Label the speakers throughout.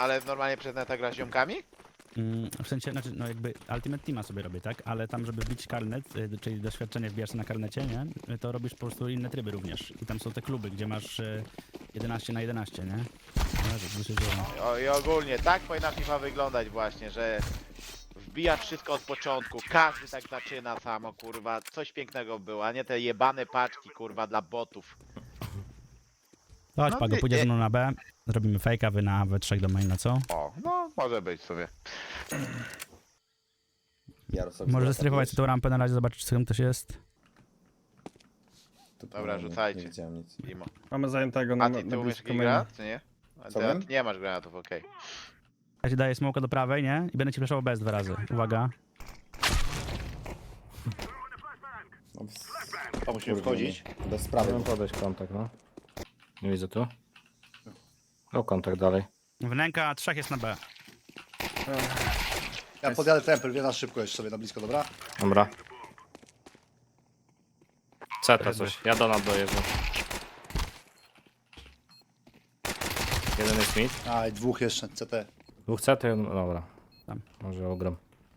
Speaker 1: ale normalnie przez neta gra z ziomkami?
Speaker 2: W sensie, znaczy, no jakby Ultimate Teama sobie robię, tak? Ale tam, żeby wbić karnet, czyli doświadczenie wbijasz na karnecie, nie? To robisz po prostu inne tryby również. I tam są te kluby, gdzie masz 11 na 11, nie?
Speaker 1: I ogólnie tak powinna FIFA wyglądać właśnie, że wbijasz wszystko od początku, każdy tak zaczyna samo, kurwa, coś pięknego było, a nie te jebane paczki, kurwa, dla botów.
Speaker 2: Chodź,
Speaker 1: No
Speaker 2: Pago,
Speaker 1: nie-
Speaker 2: pójdziesz ze
Speaker 1: nie-
Speaker 2: mną na B, zrobimy fejka, wy na W3 do maina, co?
Speaker 1: O, no, może być sobie.
Speaker 2: Możesz zestryfować sobie tą rampę na razie, zobaczyć, co tam też jest.
Speaker 1: Dobra, rzucajcie.
Speaker 3: Nie widziałem nic.
Speaker 1: Imo.
Speaker 4: Mamy zajętego na,
Speaker 1: A ty
Speaker 4: na
Speaker 1: umiesz
Speaker 4: blisko
Speaker 1: jakiś
Speaker 4: maina.
Speaker 1: granat, czy nie? A
Speaker 3: Co
Speaker 1: ty,
Speaker 3: wiem?
Speaker 1: ty nie masz granatów, okej.
Speaker 2: Ja ci daję smoka do prawej, nie? I będę ci flashował bez 2 razy. Uwaga.
Speaker 3: No,
Speaker 5: To musimy wchodzić.
Speaker 3: Bez sprawy.
Speaker 6: Chciałem podejść kontakt, no. Nie widzę tu. O, kontakt dalej.
Speaker 2: Wnęka 3 jest na B.
Speaker 5: Ja podjadę tempel, wie na szybko jeszcze sobie na blisko, dobra?
Speaker 6: Dobra. CT coś. Ja do nas dojeżdżam. Jeden jest mid.
Speaker 5: A, i dwóch jeszcze, CT.
Speaker 6: Dwóch CT, no dobra.
Speaker 2: Tam.
Speaker 6: Może ogram.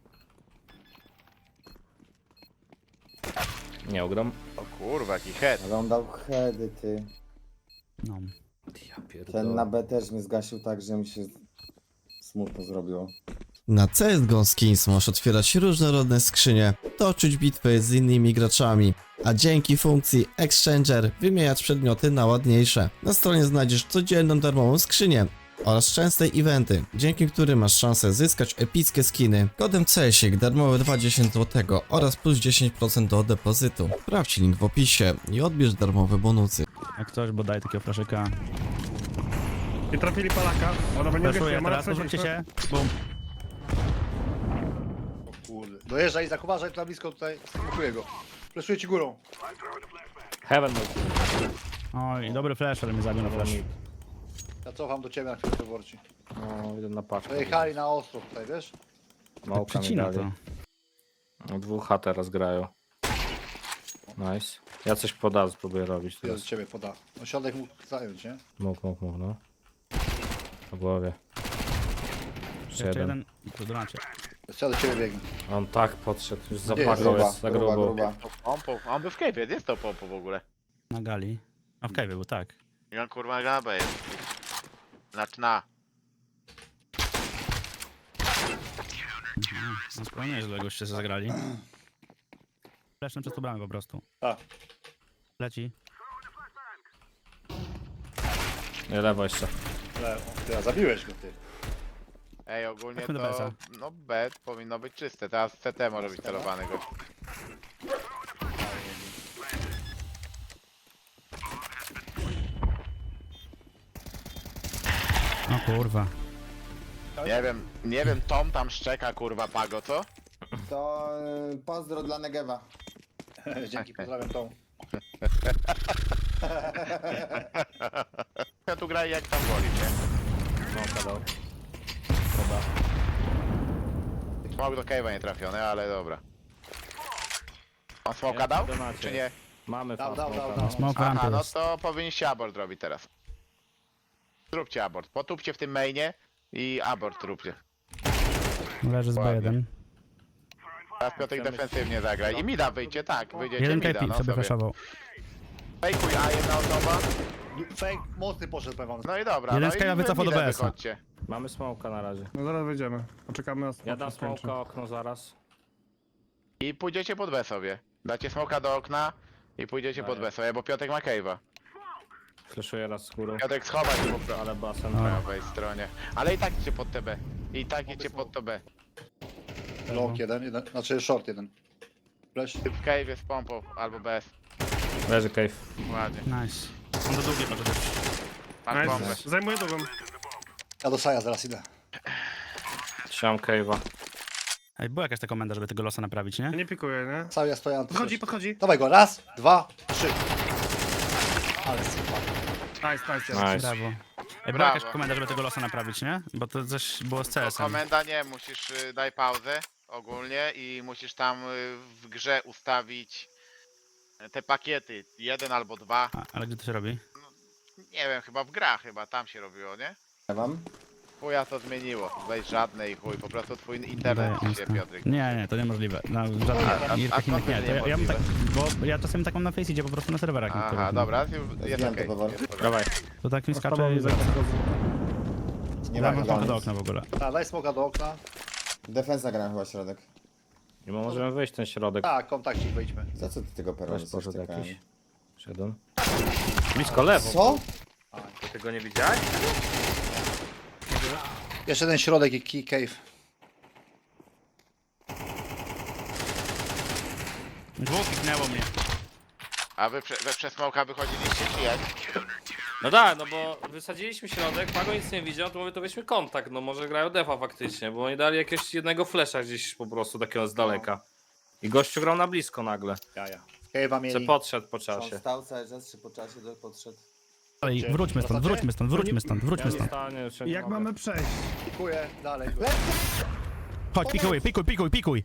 Speaker 6: Nie ogram.
Speaker 1: O kurwa, jaki head.
Speaker 3: Ale on dał heady, ty.
Speaker 2: No.
Speaker 6: Ja
Speaker 3: Ten na B też mnie zgasił tak, że mi się smutno zrobiło.
Speaker 7: Na CSGO Skins możesz otwierać różnorodne skrzynie, toczyć bitwy z innymi graczami, a dzięki funkcji Exchanger wymieniać przedmioty na ładniejsze. Na stronie znajdziesz codzienną darmową skrzynię oraz częste eventy, dzięki którym masz szansę zyskać epickie skiny. Kodem CSIK darmowe 20 zł oraz plus 10% do depozytu. Sprawdź link w opisie i odbierz darmowe bonusy.
Speaker 2: Jak coś, bo daj takiego flaszyka.
Speaker 4: I trafili Polaka. Ona będzie
Speaker 2: Flashuję
Speaker 4: ma
Speaker 2: teraz, odwróćcie się. Bum.
Speaker 5: O kurde. Dojeżdżaj, Izak, uważaj, tu na blisko tutaj. Smokuję go. Fleszuję ci górą.
Speaker 6: Heaven był.
Speaker 2: Oj, dobry flash, ale mnie zabił na flash.
Speaker 5: Ja cofam do ciebie na chwilę wyborczy.
Speaker 6: No, jeden na paczkę.
Speaker 5: Dojechali na ostro tutaj, wiesz?
Speaker 6: Małka mi
Speaker 2: Przycina
Speaker 6: dali.
Speaker 2: to.
Speaker 6: No, dwóch H teraz grają. Nice. Ja coś poda, spróbuję robić
Speaker 5: Ja do
Speaker 6: teraz.
Speaker 5: ciebie poda. No środek mógł zająć, nie?
Speaker 6: Mógł, no. Po głowie. Jeszcze
Speaker 2: Jeszcze
Speaker 6: jeden.
Speaker 2: jeden. Tu donacie.
Speaker 5: Ja do ciebie biegnę.
Speaker 6: On tak podszedł, już
Speaker 5: Gdzie
Speaker 6: zapakał
Speaker 3: Gruba,
Speaker 6: jest za
Speaker 3: gruba,
Speaker 6: grubo.
Speaker 3: gruba.
Speaker 1: Pompą, on był w cave'ie, jest to pompą w ogóle.
Speaker 2: Na gali. A w cave'ie był, tak.
Speaker 1: I on kurwa gabę jest. Znaczy na.
Speaker 2: No spokojnie, nieźle goście się zagrali. Flashem przez tą bramę po prostu.
Speaker 5: Tak.
Speaker 2: Leci.
Speaker 6: Nie, lewo jeszcze.
Speaker 5: Ale ty, a zabiłeś go, ty.
Speaker 1: Ej, ogólnie
Speaker 2: Chodźmy do
Speaker 1: to,
Speaker 2: BS-a.
Speaker 1: no B powinno być czyste, teraz CT może być celowany gość.
Speaker 2: O kurwa.
Speaker 1: Nie wiem, Tom tam szczeka kurwa Pago, co?
Speaker 3: To pozdro dla Negewa.
Speaker 5: Dzięki, pozdrawiam tą.
Speaker 1: Ja tu graję jak tam woli, nie?
Speaker 6: No, padał.
Speaker 1: Smok do cave'a nie trafiony, ale dobra. On smoka dał?
Speaker 6: donacie.
Speaker 1: Czy nie?
Speaker 6: Mamy
Speaker 5: Dał,
Speaker 6: fast
Speaker 5: dał,
Speaker 6: smoka,
Speaker 5: dał,
Speaker 6: no.
Speaker 5: dał.
Speaker 2: Smoke w
Speaker 1: Aha,
Speaker 2: rampie
Speaker 1: no
Speaker 2: jest.
Speaker 1: to powinniście abort robić teraz. Zróbcie abort, potupcie w tym mainie i abort róbcie.
Speaker 2: Leży z
Speaker 1: Ładnie.
Speaker 2: B1.
Speaker 1: Teraz Piotrek defensywnie zagraj. I mida wyjdzie, tak, wyjdziecie
Speaker 2: Jeden
Speaker 1: mida,
Speaker 2: KP
Speaker 1: no
Speaker 2: sobie
Speaker 1: sobie.
Speaker 2: flashował.
Speaker 1: Fejkuj, a jedna osoba.
Speaker 5: Fake mocny poszedł, powiem wam.
Speaker 1: No i dobra,
Speaker 2: Jeden
Speaker 1: no
Speaker 2: z Kaja
Speaker 1: i
Speaker 2: wycofał do
Speaker 1: midem
Speaker 2: BS-a.
Speaker 1: wychodźcie.
Speaker 6: Mamy smoka na razie.
Speaker 4: No zaraz wyjdziemy. Poczekamy na
Speaker 6: Ja dam
Speaker 4: skończy.
Speaker 6: smoka okno zaraz.
Speaker 1: I pójdziecie pod B sobie. Dacie smoka do okna i pójdziecie pod B sobie, bo Piotrek ma cave'a.
Speaker 6: Fleszuję raz z górą.
Speaker 1: Piotrek schowa się po
Speaker 6: Ale basen.
Speaker 1: prawej stronie. Ale i tak idzie pod TB. I tak idzie pod TB.
Speaker 5: Long jeden, znaczy short jeden. Flash.
Speaker 1: Typ w cave'ie z pompą albo bez.
Speaker 6: Leży cave.
Speaker 1: Ładnie.
Speaker 2: Nice. On do długiej może być.
Speaker 1: Masz bombę.
Speaker 4: Nice. Zajmuję drugą.
Speaker 5: Ja do Saja zaraz idę.
Speaker 6: Trzymam cave'a.
Speaker 2: Ej, była jakaś ta komenda, żeby tego losa naprawić, nie?
Speaker 4: Ja nie pikuję, nie?
Speaker 5: Saja stojący.
Speaker 4: Podchodzi.
Speaker 5: Dawaj go, raz, dwa, trzy. Ale super.
Speaker 4: Nice.
Speaker 6: Nice.
Speaker 2: Brawo. Ej, była
Speaker 1: Brawo.
Speaker 2: jakaś komenda, żeby tego losa naprawić, nie? Bo to coś było z
Speaker 1: Tylko
Speaker 2: CS-em.
Speaker 1: komenda nie, musisz daj pauzę ogólnie i musisz tam w grze ustawić te pakiety. Jeden albo dwa.
Speaker 2: Ale gdzie to się robi?
Speaker 1: Nie wiem, chyba w grach chyba tam się robiło, nie?
Speaker 3: Ja wam?
Speaker 1: chuja to zmieniło. Weź żadne i chuj, po prostu twój internet
Speaker 2: Daję
Speaker 1: się,
Speaker 2: insta.
Speaker 1: Piotrek.
Speaker 2: Nie, to niemożliwe. Na żadnych gierkach innych nie. To ja bym tak, bo ja czasem tak mam na Faceidzie po prostu na serwerach
Speaker 1: Aha,
Speaker 2: niektórych.
Speaker 1: dobra, jest
Speaker 3: Zdjąłem
Speaker 1: okej.
Speaker 3: to powoli.
Speaker 1: jest okej.
Speaker 6: Dawaj.
Speaker 2: To tak mi skacze
Speaker 4: Sprawa
Speaker 2: i
Speaker 4: mi zaraz
Speaker 3: Nie ma
Speaker 2: dawam
Speaker 3: chyba
Speaker 2: smoka do
Speaker 3: nic.
Speaker 2: okna w ogóle.
Speaker 5: Tak, daj smoka do okna.
Speaker 3: Defensa gra chyba środek.
Speaker 6: I możemy wyjść ten środek.
Speaker 5: Tak, kontakcik wyjdźmy.
Speaker 3: Za co ty tego peronu
Speaker 6: Weź poszedł
Speaker 3: coś
Speaker 6: jakiś.
Speaker 3: czekałem?
Speaker 6: Szedłem. Blisko lewo.
Speaker 3: Co?
Speaker 6: To ty go nie widziałeś?
Speaker 5: Jeszcze ten środek i key cave.
Speaker 2: Dwóch kliknęło mnie.
Speaker 1: A wy przez smoka wychodziliście czy jak?
Speaker 8: No tak, no bo wysadziliśmy środek, Pago nic nie widział, to mówię, to weźmy kontakt, no może grają defa faktycznie, bo oni dali jakiegoś jednego flesza gdzieś po prostu takiego z daleka. I gościu grał na blisko nagle.
Speaker 5: Jaja. Cave'a
Speaker 8: Co
Speaker 5: mieli.
Speaker 8: podszedł po
Speaker 3: On
Speaker 8: czasie.
Speaker 3: stał cały czas, czy po czasie podszedł?
Speaker 2: Ale wróćmy stąd, wróćmy stąd, wróćmy stąd, wróćmy stąd.
Speaker 6: Stanie, jeszcze nie
Speaker 4: Jak
Speaker 6: mogę.
Speaker 4: mamy przejść?
Speaker 5: Pikuję dalej.
Speaker 2: Chodź, pikuj, pikuj, pikuj, pikuj.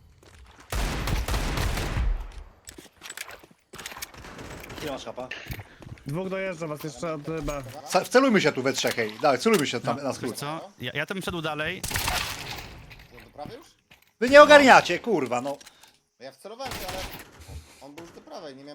Speaker 5: Nie masz chapa.
Speaker 4: Dwóch dojeżdża was jeszcze od B.
Speaker 5: Wcelujmy się tu we trzech, hej. Dawaj, celujmy się tam na
Speaker 2: Wiesz
Speaker 5: skrót.
Speaker 2: co? Ja to bym szedł dalej.
Speaker 3: Do prawej już?
Speaker 5: Wy nie ogarniacie, kurwa, no.
Speaker 3: No ja wcelowałem się, ale on był już do prawej, nie miałem...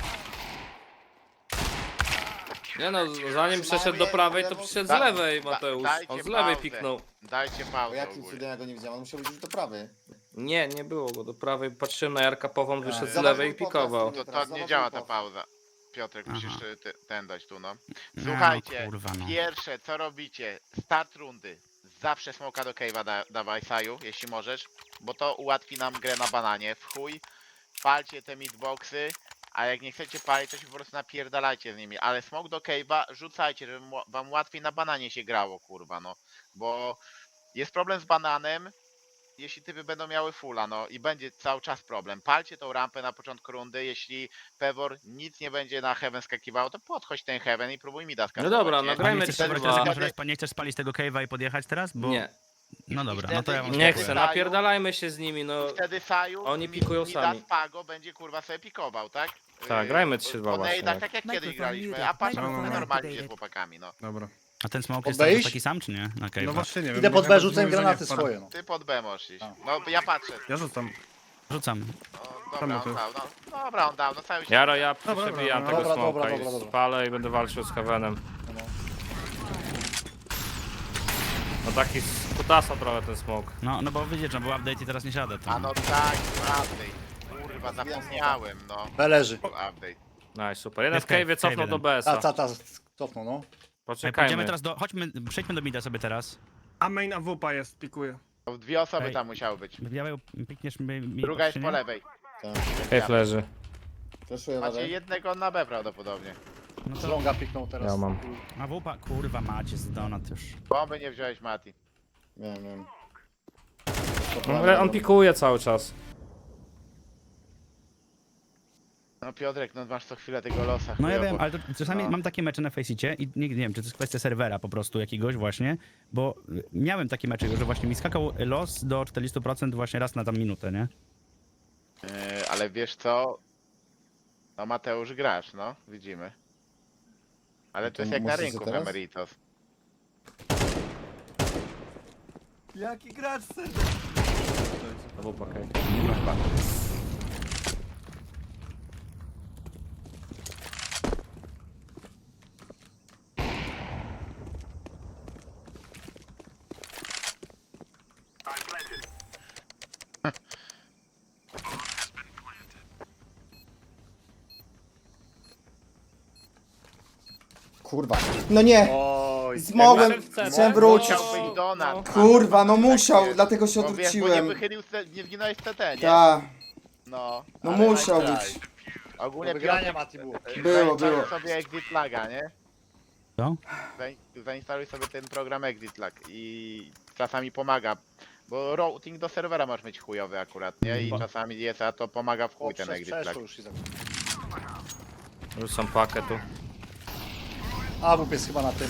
Speaker 8: Nie no, zanim przeszedł do prawej, to przyszedł z lewej, Mateusz.
Speaker 1: Dajcie
Speaker 8: On z lewej
Speaker 1: pauzę.
Speaker 8: piknął.
Speaker 1: Dajcie
Speaker 3: Bo
Speaker 1: pauzę
Speaker 3: jakim
Speaker 1: ogólnie.
Speaker 3: cudem ja go nie widziałem? On musiał być już do prawej.
Speaker 8: Nie, nie było go do prawej, patrzyłem na Jarka Pową, wyszedł z
Speaker 3: Zobacz
Speaker 8: lewej i
Speaker 3: mój podcast.
Speaker 8: pikował.
Speaker 1: To nie działa ta pauza. Piotrek, musisz
Speaker 2: Aha.
Speaker 1: ten dać tu, no.
Speaker 2: No,
Speaker 1: Słuchajcie,
Speaker 2: kurwa, no.
Speaker 1: pierwsze co robicie, start rundy. Zawsze smoka do cave'a dawaj, Saju, jeśli możesz, bo to ułatwi nam grę na bananie. W chuj, palcie te midboxy, a jak nie chcecie palić, to się po prostu napierdalajcie z nimi. Ale smok do cave'a rzucajcie, żeby wam łatwiej na bananie się grało, kurwa, no. Bo jest problem z bananem, jeśli typy będą miały fulla, no i będzie cały czas problem. Palcie tą rampę na początku rundy, jeśli Pewor nic nie będzie na heaven skakiwało, to podchodź ten heaven i próbuj mi skasować.
Speaker 8: No dobra,
Speaker 1: nie?
Speaker 8: nagrajmy
Speaker 2: Nie chcesz,
Speaker 8: trzy,
Speaker 2: Pewor,
Speaker 8: dwa.
Speaker 2: teraz może nie chcesz spalić tego cave'a i podjechać teraz? Bo...
Speaker 8: Nie,
Speaker 2: No dobra, no to ja wam
Speaker 1: I
Speaker 8: nie
Speaker 1: wtedy
Speaker 8: chcę,
Speaker 1: Saju-
Speaker 8: napierdalajmy się z nimi, no.
Speaker 1: Wtedy Saju,
Speaker 8: Oni pikują sami.
Speaker 1: Pago będzie kurwa sobie pikował, tak?
Speaker 6: Tak, grajmy
Speaker 1: Po
Speaker 6: 3-2 właśnie,
Speaker 1: nejdach,
Speaker 6: tak.
Speaker 1: tak jak kiedyś
Speaker 9: Microphone
Speaker 1: graliśmy,
Speaker 9: muted.
Speaker 1: a patrz
Speaker 4: Microphone
Speaker 1: normalnie się z
Speaker 9: activated.
Speaker 1: chłopakami, no.
Speaker 4: Dobra.
Speaker 2: A ten smoke jest
Speaker 5: Obejść?
Speaker 2: taki sam, czy nie? Na cave'a.
Speaker 4: No właśnie nie wiem.
Speaker 5: Idę pod
Speaker 4: ja
Speaker 5: B,
Speaker 4: nawet
Speaker 5: rzucę
Speaker 4: mówię, że nie
Speaker 5: granaty
Speaker 4: wpadł.
Speaker 5: swoje, no.
Speaker 1: Ty pod B możesz iść. No ja patrzę.
Speaker 4: Ja rzucam.
Speaker 2: Rzucam.
Speaker 1: No,
Speaker 4: Czemu
Speaker 1: dobra,
Speaker 4: ty?
Speaker 1: on dał, no. Dobra, on dał, no cały się...
Speaker 6: Jaro, ja
Speaker 4: Dobra,
Speaker 6: przebijam
Speaker 4: dobra,
Speaker 6: tego
Speaker 5: dobra,
Speaker 6: smoka
Speaker 5: dobra, dobra,
Speaker 6: i
Speaker 5: dobra.
Speaker 6: spalę i będę walczył z Heavenem. No taki z kutasa trochę ten smok.
Speaker 2: No bo widzisz, że był update i teraz nie siada. To...
Speaker 1: A no tak, update. Kurwa, zapomniałem, no.
Speaker 5: B leży.
Speaker 1: Update.
Speaker 6: No i super. Jeden w
Speaker 2: Jest cave,
Speaker 6: cave'ie cofnął
Speaker 2: cave
Speaker 6: do
Speaker 2: jeden.
Speaker 6: BS-a.
Speaker 5: Cofnął, no.
Speaker 2: Ej,
Speaker 6: Poczekajmy.
Speaker 2: pójdziemy teraz do... Chodźmy, przejdźmy do mida sobie teraz.
Speaker 4: A main AWP jest, pikuje.
Speaker 1: To dwie osoby
Speaker 2: Ej.
Speaker 1: tam musiały być.
Speaker 2: Biały, pikniesz mi...
Speaker 1: Druga jest
Speaker 2: czy
Speaker 1: po
Speaker 2: nie?
Speaker 1: lewej.
Speaker 6: Cave leży.
Speaker 3: Fleszuję
Speaker 1: Macie
Speaker 3: wadę.
Speaker 1: jednego na B prawdopodobnie.
Speaker 2: No
Speaker 5: Z
Speaker 2: to...
Speaker 5: longa piknął teraz.
Speaker 6: Ja mam.
Speaker 2: A wupa, kurwa macie z donat już.
Speaker 1: Bomby nie wziąłeś, Mati.
Speaker 3: Wiem.
Speaker 6: No, ale on pikuje cały czas.
Speaker 1: No Piotrek, no masz co chwilę tego losa.
Speaker 2: No ja
Speaker 1: chujowo.
Speaker 2: wiem, ale to czasami
Speaker 1: No.
Speaker 2: mam takie mecze na Faceicie i nie wiem, czy to jest kwestia serwera po prostu jakiegoś właśnie, bo miałem takie mecze, że właśnie mi skakał los do 40% właśnie raz na tam minutę, nie?
Speaker 1: Ale wiesz co? No Mateusz grasz, no. Widzimy. Ale to
Speaker 3: to
Speaker 1: jest jak na
Speaker 3: musicie
Speaker 1: rynku w
Speaker 3: teraz?
Speaker 1: Emeritos.
Speaker 9: Jaki gracz
Speaker 6: AWP cave.
Speaker 3: Kurwa. No nie!
Speaker 5: Oj.
Speaker 3: Zmogłem!
Speaker 8: Jak wyszedł w CT,
Speaker 3: Chciałem wrócić.
Speaker 1: Musiał być Donat.
Speaker 3: Kurwa, no musiał,
Speaker 1: jest.
Speaker 3: dlatego się
Speaker 1: Bo wiesz, bo nie
Speaker 3: odwróciłem.
Speaker 1: wychylił, nie zginąłeś w CT, nie?
Speaker 3: Ta,
Speaker 1: No.
Speaker 3: no
Speaker 1: ale
Speaker 3: musiał
Speaker 1: nice
Speaker 3: być.
Speaker 1: try. Ogólnie
Speaker 5: Do wygrania
Speaker 1: Piotrek,
Speaker 5: Mati było.
Speaker 3: Było,
Speaker 1: zainstaluj
Speaker 3: było.
Speaker 1: sobie Exit Laga, nie?
Speaker 2: Co?
Speaker 1: Zainstaluj sobie ten program Exit Lag i czasami pomaga. Bo routing do serwera masz mieć chujowy akurat, nie? I czasami jest, a to pomaga w chuj ten Exit Lag.
Speaker 5: Przeszło już Izak.
Speaker 6: Rzucam pakę tu.
Speaker 5: AWP jest chyba na tym.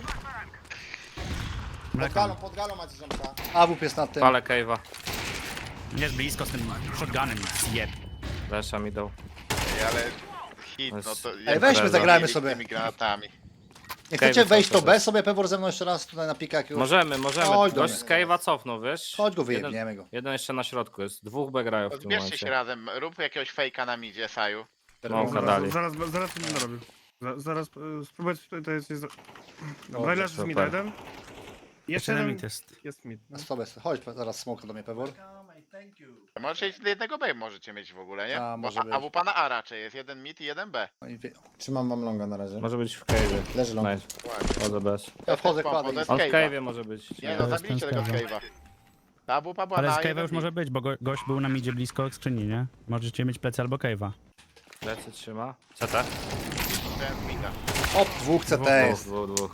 Speaker 3: Pod galą macie ziomka.
Speaker 5: AWP jest na tym.
Speaker 6: Palę cave'a.
Speaker 2: Jest blisko z tym shotgunem, zjeb.
Speaker 6: Lesza mi dał.
Speaker 1: Ale hit, no to...
Speaker 5: Ej, weźmy,
Speaker 6: Impreza.
Speaker 5: zagrajmy
Speaker 1: z
Speaker 5: sobie.
Speaker 1: tymi granatami.
Speaker 5: Nie
Speaker 8: Cave
Speaker 5: chcecie wejść
Speaker 8: cały
Speaker 5: to
Speaker 8: czas
Speaker 5: B sobie Pewor ze mną jeszcze raz tutaj na pika jakiegoś?
Speaker 8: Możemy.
Speaker 5: Chodź do
Speaker 8: Gość
Speaker 5: mnie.
Speaker 8: z Cave'a cofnął, wiesz?
Speaker 5: Chodź go
Speaker 8: Jeden,
Speaker 5: wyjebniemy go.
Speaker 8: jeden jeszcze na środku jest. Dwóch B grają w tym
Speaker 1: Zbierzcie się
Speaker 8: momencie.
Speaker 1: razem, rób jakiegoś fejka na midzie, Saju.
Speaker 8: Smoka dali.
Speaker 4: Zaraz to będę robił. Zaraz spróbuję to jest... Dobra, leży z
Speaker 5: super.
Speaker 4: mida jeden. Jeszcze
Speaker 2: Jeszcze
Speaker 4: jeden
Speaker 2: limit jest.
Speaker 4: jest mid. No.
Speaker 5: Na stopę, chodź zaraz smoka do mnie Pewor.
Speaker 1: Możecie iść do jednego B możecie mieć w ogóle, nie?
Speaker 5: A,
Speaker 1: Bo
Speaker 5: może być.
Speaker 1: AWP na A raczej jest, jeden mid i jeden B.
Speaker 5: No i
Speaker 3: Trzymam wam longa na razie.
Speaker 6: Może być w cave'ie.
Speaker 3: Leży long.
Speaker 6: Nice.
Speaker 1: Ładnie.
Speaker 6: Chodzę bez.
Speaker 5: Ja wchodzę,
Speaker 1: Pompo,
Speaker 5: kładę
Speaker 1: to
Speaker 5: i...
Speaker 1: jest
Speaker 6: On w
Speaker 1: cave'a.
Speaker 6: cave'ie może być.
Speaker 1: Nie no,
Speaker 2: To jest
Speaker 1: zabijcie
Speaker 2: ten
Speaker 1: tego
Speaker 2: cave'a.
Speaker 1: cave'a. Ta AWP była
Speaker 2: Ale
Speaker 1: na
Speaker 2: z
Speaker 1: A,
Speaker 2: cave'a
Speaker 1: jeden
Speaker 2: już
Speaker 1: mid.
Speaker 2: może być, bo gość był na midzie blisko skrzyni, nie? Możecie mieć plecy albo cave'a.
Speaker 8: Plecy trzyma. CT?
Speaker 1: Ten z mida.
Speaker 5: Op, dwóch CT jest.
Speaker 8: Dwóch.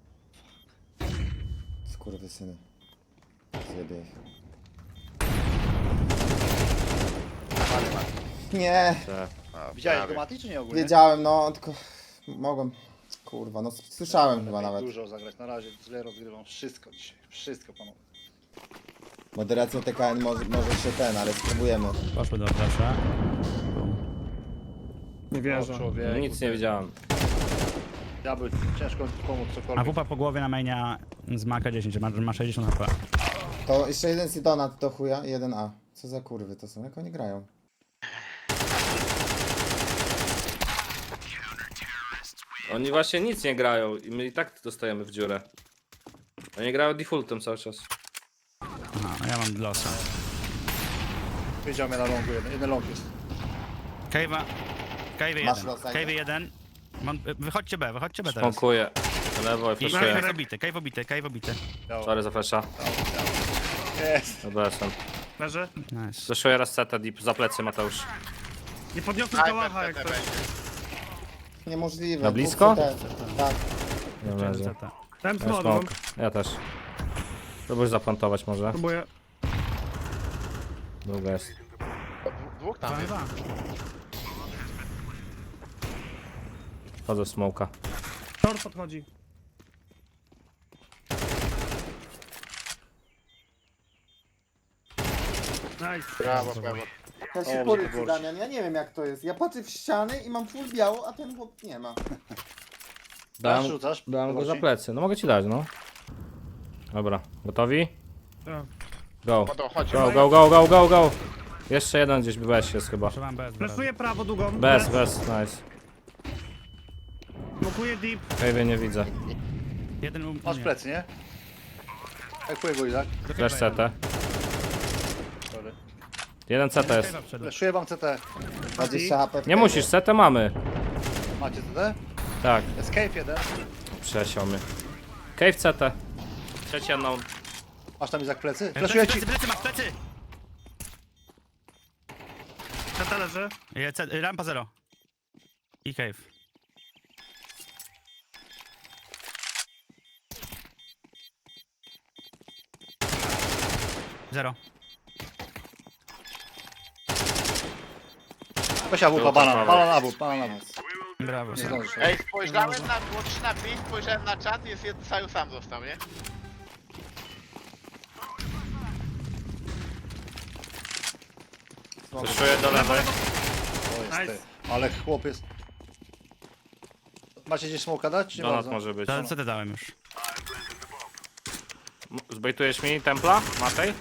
Speaker 3: Skurwysyny. Zjebie ich. Nie,
Speaker 1: O,
Speaker 5: Widziałeś
Speaker 1: prawie.
Speaker 5: go Mati, czy nie ogólnie?
Speaker 3: wiedziałem, no tylko mogłem. Kurwa, no słyszałem chyba nawet.
Speaker 5: Dużo zagrać, na razie źle rozgrywam wszystko dzisiaj. Wszystko panowie.
Speaker 3: Moderacja TKN może się ten, ale spróbujemy.
Speaker 2: Poszły do flasha.
Speaker 4: Nie wierzę.
Speaker 5: Człowiek.
Speaker 8: Nic nie widziałem.
Speaker 5: Ja by ciężko mi pomóc
Speaker 2: A
Speaker 5: cokolwiek.
Speaker 2: pupa po głowie na mainia z Maka 10, ma 60 HP.
Speaker 3: To jeszcze jeden Sidonat do chuja i jeden A. Co za kurwy to są? Jak oni grają?
Speaker 8: Oni właśnie nic nie grają i my i tak dostajemy w dziurę. Oni grają defaultem cały czas.
Speaker 2: Aha, a ja mam losa.
Speaker 5: Wiedział mnie na longu, jeden long jest.
Speaker 2: Cave'a. Cave
Speaker 3: Masz
Speaker 2: 1.
Speaker 3: losa,
Speaker 2: Cave 1. Wychodźcie B teraz.
Speaker 8: Smokuję. Lewo i
Speaker 2: I
Speaker 8: flashuję.
Speaker 2: cave obity.
Speaker 8: Sorry za flasha.
Speaker 5: Jest.
Speaker 8: Dobra, jestem.
Speaker 4: Leży.
Speaker 2: Nice.
Speaker 8: Flashuję raz CT deep za plecy Mateusz.
Speaker 4: Nie podniosłem kałacha jak
Speaker 1: CT
Speaker 4: to.
Speaker 1: będzie.
Speaker 3: Niemożliwe.
Speaker 6: Na
Speaker 3: dwóch
Speaker 6: blisko?
Speaker 3: CT. Tak.
Speaker 6: Nie leży.
Speaker 2: Zeta.
Speaker 4: Dałem
Speaker 6: Ja
Speaker 4: smoke,
Speaker 6: smoke. Ja też. Próbuj zaplantować może.
Speaker 4: próbuję.
Speaker 6: Druga jest.
Speaker 1: Dwóch tam jest.
Speaker 6: Wchodzę w smoka.
Speaker 4: Tor podchodzi. Nice.
Speaker 1: Brawo, brawo.
Speaker 3: Ja się porycy, Damian, ja nie wiem jak to jest. Ja patrzę w ściany i mam full biało, a ten chłop nie ma.
Speaker 6: Dałem,
Speaker 5: Rzucasz?
Speaker 6: dałem go za
Speaker 5: Zobaczcie.
Speaker 6: plecy. No mogę ci dać, no. Dobra, gotowi?
Speaker 4: Tak.
Speaker 6: Go.
Speaker 1: No to chodź.
Speaker 6: Go. Jeszcze jeden gdzieś bez jest chyba.
Speaker 2: Trzymam bez.
Speaker 4: Flashuję prawo długą.
Speaker 6: Bez, nice.
Speaker 4: Smokuję deep.
Speaker 6: Cave'ie nie widzę.
Speaker 2: Jeden u
Speaker 5: Masz
Speaker 2: mnie.
Speaker 5: plecy, nie? Hekuję go Izak.
Speaker 6: Flash CT.
Speaker 5: Sorry.
Speaker 6: Jeden CT jest.
Speaker 2: Cave'a wszedł.
Speaker 5: Fleszuję wam CT.
Speaker 3: 20 HP. w
Speaker 6: Nie
Speaker 3: cave'ie.
Speaker 6: musisz, CT mamy.
Speaker 5: Macie CT?
Speaker 6: Tak,
Speaker 5: Escape jeden.
Speaker 6: przesiał mnie. Cave CT.
Speaker 8: Trzeci unknown.
Speaker 5: Masz tam Izak plecy? Fleszuję ci.
Speaker 2: Plecy, masz plecy!
Speaker 4: Tata leży.
Speaker 2: Rampa 0. I cave. Zero.
Speaker 5: Weź wupa, bana na wód, bana na wód.
Speaker 2: Brawo.
Speaker 5: Nie
Speaker 2: Sam.
Speaker 5: zdążysz.
Speaker 1: Ej, spojrzałem na, było 3 na 5, spojrzałem na czat, jest jeden Saju sam został, nie?
Speaker 8: Flashuję do lewej.
Speaker 5: O, jest
Speaker 4: Nice.
Speaker 5: ty. Ale chłop jest. Macie gdzieś smoka dać? Nie
Speaker 8: Donat
Speaker 5: bardzo.
Speaker 8: może być.
Speaker 2: To co ty dałem już?
Speaker 8: Zbejtujesz mi templa, Matej?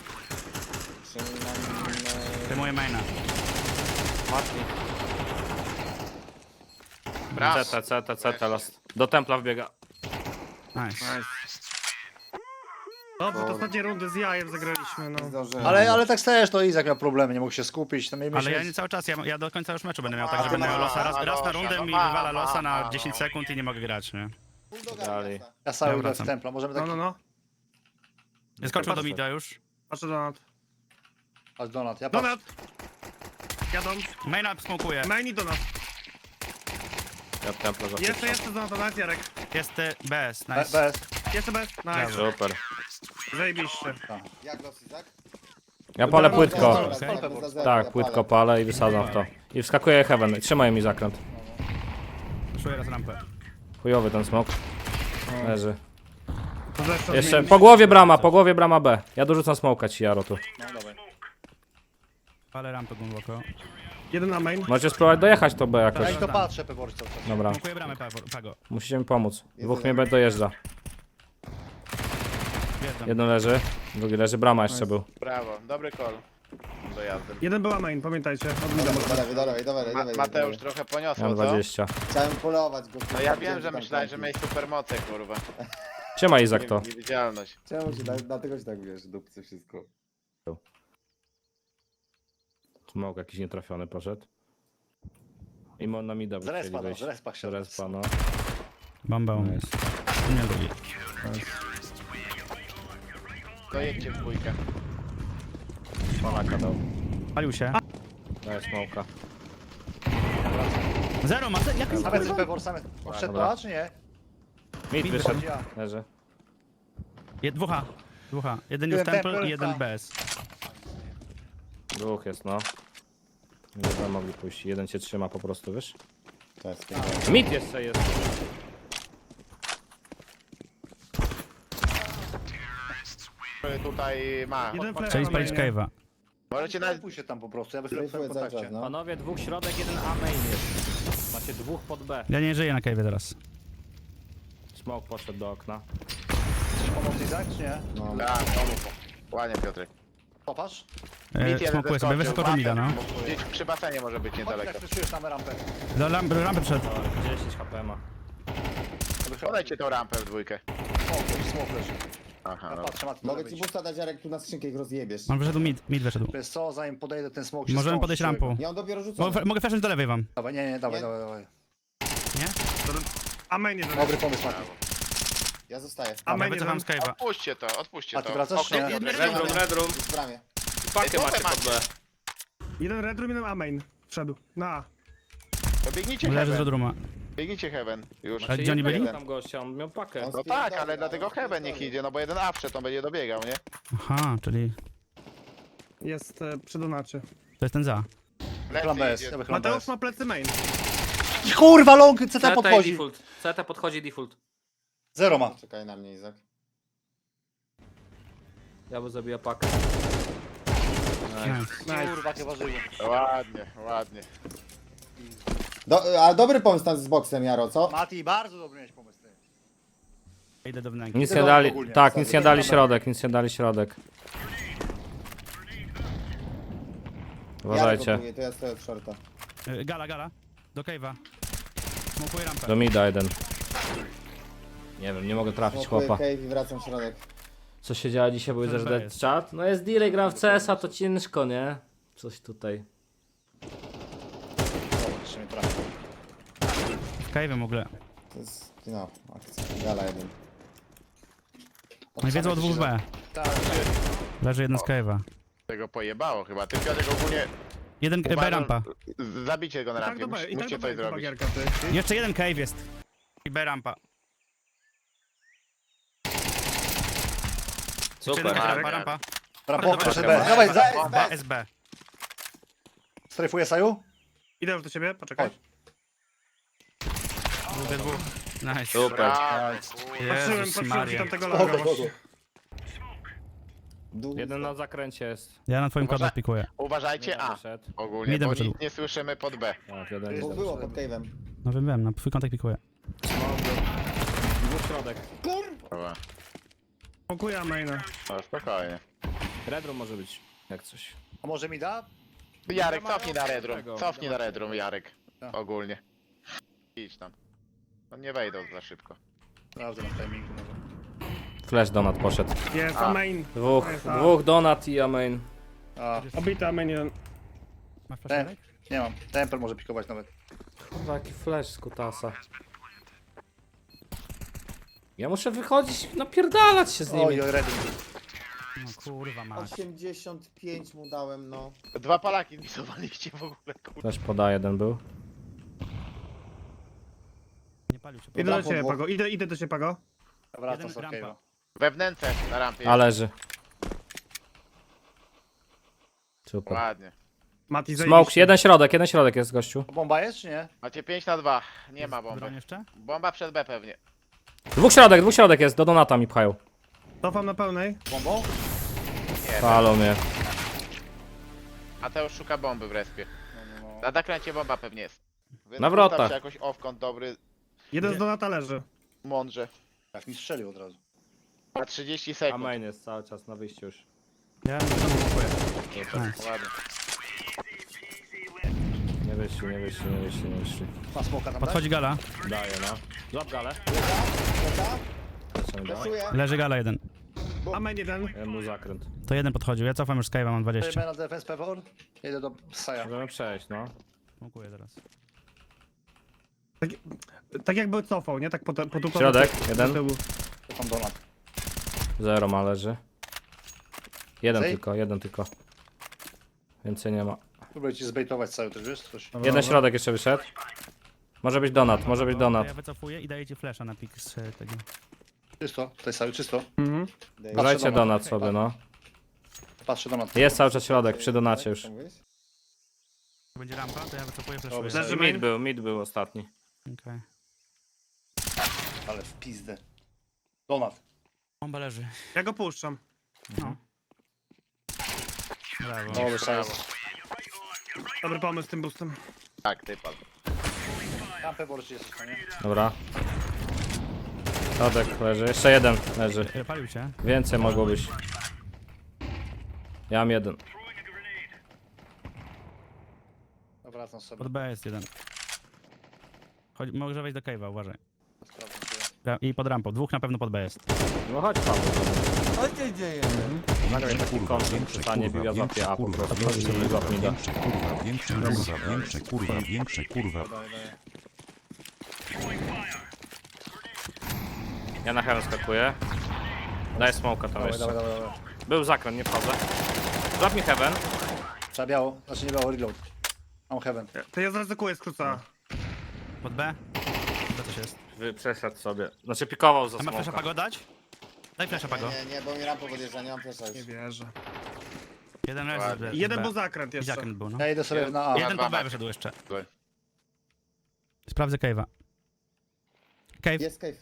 Speaker 2: Wyjmuję maina.
Speaker 1: Brawo.
Speaker 8: CT last. Do templa wbiega.
Speaker 2: Nice.
Speaker 4: Dobrze, to ostatnie rundy z jajem zagraliśmy, no.
Speaker 3: Zdążyłem.
Speaker 5: Ale tak też to Izak miał problemy, nie mógł się skupić. Tam
Speaker 2: Ale ja nie cały czas, ja do końca już meczu będę miał tak, że
Speaker 1: A,
Speaker 2: będę miał
Speaker 1: no,
Speaker 2: losa. Raz
Speaker 1: no,
Speaker 2: na
Speaker 1: no,
Speaker 2: rundę
Speaker 1: no,
Speaker 2: mi
Speaker 1: ma,
Speaker 2: wywala
Speaker 1: ma,
Speaker 2: losa na
Speaker 1: ma,
Speaker 2: 10 sekund i nie mogę grać, nie?
Speaker 6: Dalej.
Speaker 5: Ja sam idę w
Speaker 2: wracam.
Speaker 5: templa, możemy tak...
Speaker 4: No.
Speaker 2: Skoczył do mida już.
Speaker 4: Patrzę Donat.
Speaker 5: Aż Donat, ja patrzę.
Speaker 4: Donat! Jadą.
Speaker 2: Maina smokuje.
Speaker 4: Main i Donat.
Speaker 8: Ja templa
Speaker 4: Jeszcze
Speaker 8: zapiszę.
Speaker 4: Donat, Jarek.
Speaker 2: Jest BS,
Speaker 5: Be-
Speaker 2: nice.
Speaker 5: Bez.
Speaker 4: Jeszcze bez. Nice.
Speaker 8: Super.
Speaker 4: Zajebiście.
Speaker 3: Jak los, Izak?
Speaker 6: Ja palę płytko.
Speaker 3: Dobra,
Speaker 2: Okej.
Speaker 3: dobra, za zero,
Speaker 6: Tak,
Speaker 3: ja
Speaker 6: płytko
Speaker 3: palę.
Speaker 6: palę i wysadzam w to. I wskakuję heaven. Trzymaj mi zakręt.
Speaker 2: Czuję raz rampę.
Speaker 6: Chujowy ten smok. Leży.
Speaker 4: To zresztą
Speaker 6: Jeszcze
Speaker 4: zmienić.
Speaker 6: po głowie brama B. Ja dorzucam smoka ci, Jaro tu.
Speaker 5: No dawaj.
Speaker 2: Palę rampę głęboko.
Speaker 4: Jeden na main.
Speaker 6: Możecie spróbować dojechać to B
Speaker 5: Ja
Speaker 6: jakoś.
Speaker 5: i to patrzę, Pewor cały czas.
Speaker 6: Dobra,
Speaker 2: Smokuję bramę, Pago.
Speaker 6: musicie mi pomóc. Dwóch mnie B dojeżdża.
Speaker 2: Wjeżdżam.
Speaker 6: Jeden leży, drugi leży, brama jeszcze był.
Speaker 1: Brawo, dobry call. Dojazdem.
Speaker 4: Jeden była main, pamiętajcie. Od mida.
Speaker 3: Dawaj.
Speaker 1: Mateusz trochę
Speaker 6: Ja
Speaker 1: poniosło,
Speaker 6: mam
Speaker 1: co?
Speaker 6: 20.
Speaker 3: Chciałem polować go.
Speaker 1: No ja wiem, że myślałeś, że miałeś supermoce, kurwa.
Speaker 6: Siema Izak to.
Speaker 1: Niewidzialność.
Speaker 3: Czemu się tak, dlatego się tak wiesz, dupcy wszystko.
Speaker 6: Smoke jakiś nietrafiony poszedł. I on na mida
Speaker 5: Z respa, no,
Speaker 6: wyjść.
Speaker 5: z respa
Speaker 6: Z
Speaker 5: chciał.
Speaker 6: respa, no.
Speaker 2: Bomba u mnie.
Speaker 6: Nice.
Speaker 2: Nie lubi.
Speaker 1: Dojedźcie w dwójkę.
Speaker 6: Manaka dał.
Speaker 2: Palił się.
Speaker 6: Daję smoka.
Speaker 2: Zero ma, jak jest
Speaker 5: Same Pewor, same. Odszedł
Speaker 6: Dobra.
Speaker 5: to, czy nie?
Speaker 6: Mid wyszedł.
Speaker 5: Ja.
Speaker 6: Leży.
Speaker 2: Dwóch. Jeden
Speaker 5: Byłem
Speaker 2: jest temple
Speaker 5: temple,
Speaker 2: i jeden
Speaker 5: tak.
Speaker 2: bez.
Speaker 6: Dwóch jest, no. Nie będą mogli pójść. Jeden cię trzyma po prostu, wiesz?
Speaker 3: To jest
Speaker 6: Mid jeszcze jest.
Speaker 1: Tutaj ma.
Speaker 4: Jeden flash
Speaker 2: Chcieli
Speaker 4: na
Speaker 2: spalić
Speaker 4: mainie.
Speaker 2: cave'a.
Speaker 1: Możecie nawet...
Speaker 5: Pójdźcie tam po prostu, ja bez
Speaker 3: Strajfuję
Speaker 5: w
Speaker 3: cały
Speaker 5: kontakcie.
Speaker 3: czas, no.
Speaker 6: Panowie, dwóch środek, jeden A main jest. Macie dwóch pod B.
Speaker 2: Ja nie żyję na cave'ie teraz.
Speaker 6: Smoke poszedł do okna.
Speaker 5: Chcesz pomóc Izak, czy nie?
Speaker 3: No.
Speaker 1: Tak, pomógł. Ładnie, Piotrek.
Speaker 5: Popatrz.
Speaker 1: Mit jeden
Speaker 2: Smokuję sobie, wyskoczył mida, no.
Speaker 1: Gdzieś przy basenie może być
Speaker 5: Chodź,
Speaker 1: niedaleko.
Speaker 5: jak wyszujesz na rampę.
Speaker 2: Do rampy przed.
Speaker 6: 10 HP ma.
Speaker 1: Podajcie tą rampę w dwójkę.
Speaker 5: Smoke leży.
Speaker 1: Aha,
Speaker 5: Ja
Speaker 1: no.
Speaker 5: patrzę, Mati,
Speaker 3: Mogę
Speaker 5: może
Speaker 3: ci
Speaker 5: być.
Speaker 3: busta dać, Jarek, tu na skrzynkę ich rozjebiesz.
Speaker 2: On wyszedł mid wyszedł.
Speaker 5: Wiesz co, zanim podejdę ten smoke się
Speaker 2: Możemy
Speaker 5: skończy,
Speaker 2: podejść
Speaker 5: człowieku.
Speaker 2: rampą.
Speaker 3: Ja on dopiero rzucę.
Speaker 2: Mogę flashnąć do lewej wam.
Speaker 5: Dawaj, nie, dawaj,
Speaker 3: Nie?
Speaker 5: dawaj.
Speaker 4: A main jeden.
Speaker 5: Dobry pomysł, Mati.
Speaker 3: Ja zostaję.
Speaker 4: A
Speaker 2: Ja
Speaker 4: main
Speaker 2: wycofam
Speaker 4: jeden.
Speaker 2: z cave'a.
Speaker 1: Odpuśćcie
Speaker 5: A ty
Speaker 1: to.
Speaker 5: wracasz,
Speaker 1: Okej,
Speaker 5: nie?
Speaker 1: dobra.
Speaker 8: Red room.
Speaker 3: W bramie.
Speaker 8: Pakę macie
Speaker 1: dupę
Speaker 8: pod B.
Speaker 4: Jeden red room, jeden A main. Wszedł. Na A.
Speaker 1: To biegnijcie
Speaker 2: Leży z
Speaker 1: Heaven.
Speaker 2: Rodruma.
Speaker 1: Biegnijcie Heaven. Już.
Speaker 2: A gdzie oni byli?
Speaker 8: Tam gościa, on miał pakę.
Speaker 3: On
Speaker 1: No tak, ale dlatego Heaven niech idzie, no bo jeden awcze to będzie dobiegał, nie?
Speaker 2: Aha, czyli
Speaker 4: Jest przy donacie.
Speaker 2: to jest ten za.
Speaker 5: Plan B
Speaker 1: Lecy
Speaker 5: jest,
Speaker 1: idzie.
Speaker 5: ja plan B
Speaker 4: Mateusz
Speaker 5: jest.
Speaker 4: ma plecy main.
Speaker 5: Kurwa, long, CT
Speaker 8: CT i
Speaker 5: podchodzi.
Speaker 8: default. CT podchodzi default.
Speaker 5: Zero ma.
Speaker 3: Czekaj na mnie, Izak.
Speaker 8: Ja bym zabiła pakę.
Speaker 2: Nice.
Speaker 5: Kurwa, jakie ważyło.
Speaker 1: Ładnie.
Speaker 3: A dobry pomysł tam z boksem, Jaro, co?
Speaker 5: Mati, bardzo dobry miałeś pomysł. Ty.
Speaker 2: Idę do wnęki.
Speaker 6: Nic nie
Speaker 5: Tylko
Speaker 6: dali.
Speaker 5: ogólnie.
Speaker 6: Tak, nic nie dali
Speaker 3: Dobra.
Speaker 6: środek, nic nie dali środek. Uważajcie.
Speaker 3: Jarek to ja stoję od shorta.
Speaker 2: Gala. Do cave'a. Smokuję rampę.
Speaker 6: Do mida jeden. Nie wiem, nie mogę trafić
Speaker 3: Smokuję
Speaker 6: chłopa.
Speaker 3: cave i wracam w środek.
Speaker 6: Co się działo dzisiaj, bo widzę, że
Speaker 2: B
Speaker 6: dead
Speaker 2: jest.
Speaker 6: chat. No jest delay, gram w CS-a, to ciężko, nie? Coś tutaj.
Speaker 5: Dobra, jeszcze mnie trafi.
Speaker 2: W cave'ie w ogóle.
Speaker 3: To jest, no, akcja. Gala jeden.
Speaker 2: Oni wiedzą o dwóch B.
Speaker 5: Tak,
Speaker 2: Leży jeden z cave'a.
Speaker 1: Tego pojebało chyba. Ty Piotrek ogólnie
Speaker 2: Jeden B
Speaker 1: uważam-
Speaker 2: rampa.
Speaker 1: Zabicie go na
Speaker 4: I tak
Speaker 1: rampie,
Speaker 4: do B, i tak
Speaker 1: musicie
Speaker 4: do
Speaker 1: coś
Speaker 4: B, chyba
Speaker 1: zrobić.
Speaker 4: Gierka, ty.
Speaker 2: Jeszcze jeden cave jest. I B rampa.
Speaker 8: Super.
Speaker 2: Jeszcze jeden
Speaker 1: Dobra.
Speaker 2: rampa.
Speaker 5: Brawo, proszę
Speaker 1: dobra.
Speaker 5: B. Dawaj,
Speaker 2: B, SB.
Speaker 5: strajfuję Saju.
Speaker 4: Idę już do ciebie, poczekaj.
Speaker 5: Chodź.
Speaker 2: Dwóch. Nice.
Speaker 8: Super.
Speaker 1: Brawo,
Speaker 4: Patrzyłem
Speaker 2: Jezus
Speaker 4: ci
Speaker 2: Maria.
Speaker 4: tam tego
Speaker 5: Spoko,
Speaker 4: laga
Speaker 5: spoko.
Speaker 4: właśnie.
Speaker 6: Jeden na zakręcie jest.
Speaker 2: Ja na twoim
Speaker 1: Uważaj.
Speaker 2: kwadrat pikuję.
Speaker 1: Uważajcie
Speaker 6: Jeden
Speaker 1: A
Speaker 6: wyszedł.
Speaker 1: ogólnie,
Speaker 2: Midem
Speaker 1: bo
Speaker 2: wyszedł.
Speaker 1: nic nie słyszymy pod B.
Speaker 6: Tak, jeden
Speaker 3: Dwóch
Speaker 6: jest.
Speaker 3: było pod cave'em.
Speaker 2: No wiem, na twój kontakt pikuję.
Speaker 6: Dwóch środek.
Speaker 1: Dobra.
Speaker 4: Smokuję A maina.
Speaker 1: No spokojnie.
Speaker 6: Red room może być, jak coś.
Speaker 5: A może mi da?
Speaker 1: Jarek, cofnij na Red Room.
Speaker 6: Tego,
Speaker 1: Cofnij na Red Room, Jarek.
Speaker 5: Tak.
Speaker 1: Ogólnie. Idź tam. No nie wejdą za szybko.
Speaker 5: Sprawdzę na timingu może.
Speaker 6: Flash donat poszedł.
Speaker 4: Jest A main.
Speaker 6: Dwóch donat i amain.
Speaker 5: A,
Speaker 4: Obity A main jeden.
Speaker 2: Masz flaszerek?
Speaker 5: nie mam. Temper może pikować nawet.
Speaker 6: Kurwa, jaki flash z kutasa. Ja muszę wychodzić, napierdalać się z nimi.
Speaker 5: Oj, ready.
Speaker 2: No kurwa masz.
Speaker 3: 85 mu dałem, no.
Speaker 1: Dwa palaki misowaliście w ogóle, kurwa.
Speaker 6: Flash poda, jeden był.
Speaker 2: Nie palił się.
Speaker 4: Idę do
Speaker 3: Dobra,
Speaker 4: ciebie,
Speaker 3: po
Speaker 4: Pago. Idę do ciebie, Pago.
Speaker 5: Wracam
Speaker 2: Jeden
Speaker 5: z Orkejo.
Speaker 2: rampa.
Speaker 1: We wnęce na rampie.
Speaker 6: A leży. Super.
Speaker 1: Ładnie.
Speaker 4: Mati,
Speaker 6: Smoke,
Speaker 4: zajebiście.
Speaker 6: jeden środek jest, gościu.
Speaker 5: Bomba jest, czy nie?
Speaker 1: Macie 5 na 2. Nie ma bomby.
Speaker 2: Broń jeszcze?
Speaker 1: Bomba przed B pewnie.
Speaker 6: Dwóch środek jest, do donata mi pchają.
Speaker 4: Cofam na pełnej.
Speaker 5: Bombą?
Speaker 1: Nie,
Speaker 6: Palą mnie.
Speaker 1: Mateusz szuka bomby w respie.
Speaker 5: No, no, no.
Speaker 1: Na zakręcie bomba pewnie jest. Więc
Speaker 6: Na wrotach.
Speaker 1: ustaw się jakoś off-kąt dobry,
Speaker 4: Jeden z donata leży.
Speaker 1: mądrze.
Speaker 5: Jak mi strzelił od razu.
Speaker 1: Na 30
Speaker 6: A
Speaker 1: sekund.
Speaker 6: main jest cały czas na wyjściu już.
Speaker 2: Ja tam blokuję.
Speaker 1: Ładnie.
Speaker 6: Nie wyszli, nie wyszli, nie wyszli, nie wyszli.
Speaker 5: Ma smoka tam
Speaker 2: Podchodzi gala.
Speaker 6: Daję, no. Złap galę. Lecimy dalej.
Speaker 3: Flashuję.
Speaker 2: Leży gala jeden.
Speaker 4: Amen jeden.
Speaker 6: Jeden był zakręt.
Speaker 2: To jeden podchodził. Ja cofam już Skype'a, mam 20.
Speaker 5: Daj na defense pewor. Jedę do Saja.
Speaker 6: Możemy przejść, no.
Speaker 2: Smokuję teraz.
Speaker 4: Tak jakby cofał, nie? Tak po tu
Speaker 6: Środek,
Speaker 4: do
Speaker 6: jeden.
Speaker 4: tyłu.
Speaker 5: To tam donat.
Speaker 6: Zero ma leży. Jeden
Speaker 5: Zej?
Speaker 6: tylko, jeden tylko. Więcej nie ma.
Speaker 5: Próbuję ci zbejtować Saju też, wiesz? Coś.
Speaker 6: Jeden środek jeszcze wyszedł. Może być donat, może być
Speaker 2: To
Speaker 6: donat.
Speaker 2: ja wycofuję i daję ci flasha na pik z tego.
Speaker 5: Czysto, tutaj Saju, czysto.
Speaker 4: Mhm.
Speaker 6: Grajcie
Speaker 5: donat.
Speaker 6: donat sobie, no.
Speaker 5: Patrzę donat.
Speaker 6: Jest cały czas środek, przy donacie już.
Speaker 3: Co mówisz?
Speaker 2: Będzie rampa, to ja wycofuję flashuję.
Speaker 4: Dobrze.
Speaker 6: Mid był ostatni.
Speaker 2: Okej.
Speaker 5: Ale w pizdę. Donat.
Speaker 2: Bomba leży.
Speaker 4: Ja go puszczam.
Speaker 2: No. Brawo.
Speaker 5: Dobry Saju.
Speaker 4: Dobry pomysł z tym boostem.
Speaker 1: Tak, typal.
Speaker 5: Tam pewor czy jesteś, no nie?
Speaker 6: Dobra. Środek leży, jeszcze jeden leży.
Speaker 2: Palił cię.
Speaker 6: Więcej mogło być. Ja mam jeden.
Speaker 5: Wracam sobie.
Speaker 2: Pod B jest jeden. Chodź, może wejść do cave'a, uważaj.
Speaker 5: Sprawdzam sobie.
Speaker 2: I pod rampą. Dwóch na pewno pod B jest.
Speaker 6: No chodź Paweł.
Speaker 9: Co się dzieje?
Speaker 6: Nagraj taki kontent, przestanie biwia złapie A po prostu. I złap mi da.
Speaker 5: Daj.
Speaker 6: Ja na heaven skakuję. Daj smoka tam
Speaker 5: Dawaj,
Speaker 6: jeszcze.
Speaker 5: dawaj.
Speaker 6: Był zakręt, nie wchodzę. Złap mi heaven.
Speaker 5: Trzeba biało, znaczy nie biało, reload. Mam heaven.
Speaker 4: To ja zaryzykuję skróca.
Speaker 2: Pod B? Co to jest?
Speaker 6: Przeszedł sobie. Znaczy pikował za
Speaker 2: A ma flasha
Speaker 6: smoka.
Speaker 2: pago dać? Daj flasha pago.
Speaker 3: Nie, bo mi rampa podjeżdża, nie mam flasha już.
Speaker 4: Nie wierzę.
Speaker 2: Jeden leży z B.
Speaker 4: Jeden
Speaker 2: B.
Speaker 4: był zakręt
Speaker 2: I
Speaker 4: jeszcze.
Speaker 2: zakręt był, no.
Speaker 5: Ja idę sobie na A.
Speaker 2: Jeden pod B
Speaker 1: dwa.
Speaker 2: wyszedł jeszcze.
Speaker 1: Dwa.
Speaker 2: Sprawdzę cave'a. Cave.
Speaker 3: Jest cave.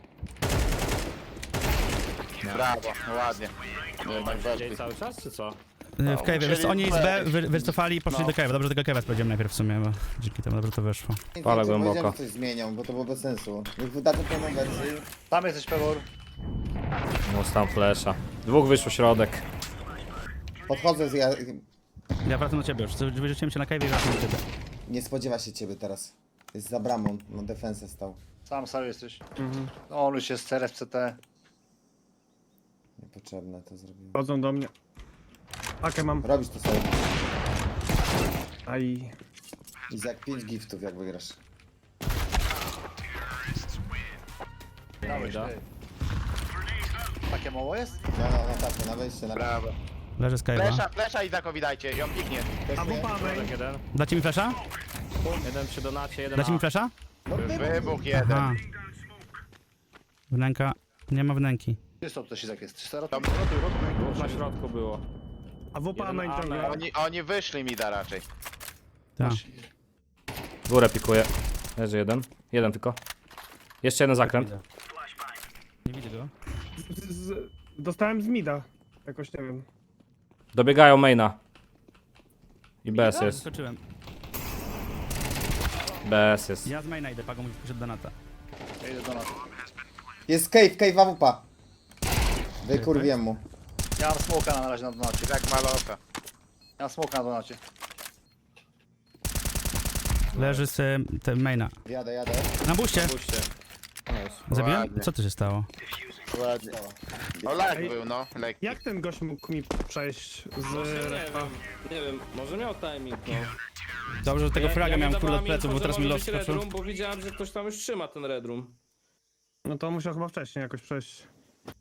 Speaker 1: Brawo, no ładnie. Jednak
Speaker 6: Dzień
Speaker 1: weszli.
Speaker 6: cały czas, czy co?
Speaker 2: W cave. Wiesz co, oni z B wycofali i poszli
Speaker 1: No.
Speaker 2: do cave'a. Dobrze, że tego cave'a sprawdziłem najpierw w sumie, bo dzięki temu dobrze to wyszło.
Speaker 6: Pala głęboko.
Speaker 3: Powiedziałem, że coś zmienią, bo to było bez sensu. Niech wydadzą pełną wersję.
Speaker 5: Tam jesteś pewor.
Speaker 6: No tam flesza. Dwóch wyszło środek.
Speaker 3: Podchodzę z ja...
Speaker 2: Ja wracam do ciebie już. Wyrzuciłem cię na cave'ie i wracam do ciebie.
Speaker 3: Nie spodziewa się ciebie teraz. Jest za bramą, na defensę stał.
Speaker 5: Sam Saju jesteś.
Speaker 4: Mhm.
Speaker 5: No, on już jest CRF, CT.
Speaker 3: Niepotrzebne to zrobiłem.
Speaker 4: Chodzą do mnie. Pakę mam.
Speaker 3: Robisz to sobie.
Speaker 4: Aj.
Speaker 3: I za 5 giftów jak wygrasz.
Speaker 5: Dałeś,
Speaker 6: da.
Speaker 5: ty. Takie mało jest?
Speaker 3: Tak, na wejście, na
Speaker 1: Brawo.
Speaker 2: Leży z cave'a.
Speaker 1: Flesza i Zakowi dajcie, ją piknie.
Speaker 4: A wupa main.
Speaker 6: Środek jeden.
Speaker 2: Dacie mi flasha?
Speaker 6: Jeden przy donacie, jeden
Speaker 2: Dacie mi
Speaker 6: A.
Speaker 2: flasha?
Speaker 1: Wybuch jeden.
Speaker 2: Aha. Wnęka. Nie ma wnęki.
Speaker 5: Czysto tutaj Izak jest. Czysto
Speaker 1: Tam rotuj.
Speaker 6: Dwóch na środku było.
Speaker 4: A wupa
Speaker 6: Jeden
Speaker 4: main
Speaker 6: A,
Speaker 4: ciągle.
Speaker 6: main.
Speaker 1: Oni wyszli mi da raczej.
Speaker 2: Tak.
Speaker 6: Górę pikuje. Leży jeden. Jeden tylko. Jeszcze jeden zakręt.
Speaker 2: Widzę. Nie widzę go.
Speaker 4: Dostałem z mida. Jakoś nie wiem.
Speaker 6: Dobiegają maina. I BS jest.
Speaker 2: Skoczyłem.
Speaker 6: BS jest.
Speaker 2: Ja z maina idę, pago musisz poszedł do nata.
Speaker 5: Ja idę do nas.
Speaker 3: Jest cave AWP. Wykurwiłem mu.
Speaker 5: Ja mam smoka na razie na donacie.
Speaker 1: Tak maloka.
Speaker 5: Ja mam smoka na donacie.
Speaker 2: Leży z maina.
Speaker 3: Jadę.
Speaker 2: Na buście.
Speaker 6: Puśćcie.
Speaker 2: Zabiłem?
Speaker 1: Ładnie.
Speaker 2: Co tu się stało?
Speaker 1: Ładnie. O, lag był, no. Lekki.
Speaker 4: Jak ten gość mógł mi przejść z refa?
Speaker 8: Nie wiem, może miał timing, no.
Speaker 2: Dobrze, że tego fraga miałem kurde od
Speaker 8: dawałem
Speaker 2: pleców,
Speaker 8: info,
Speaker 2: bo
Speaker 8: że
Speaker 2: teraz mi
Speaker 8: może
Speaker 2: los
Speaker 8: być
Speaker 2: skoczył.
Speaker 8: Red Room, bo widziałem, że ktoś tam już trzyma ten Red Room.
Speaker 4: No to musiał chyba wcześniej jakoś przejść.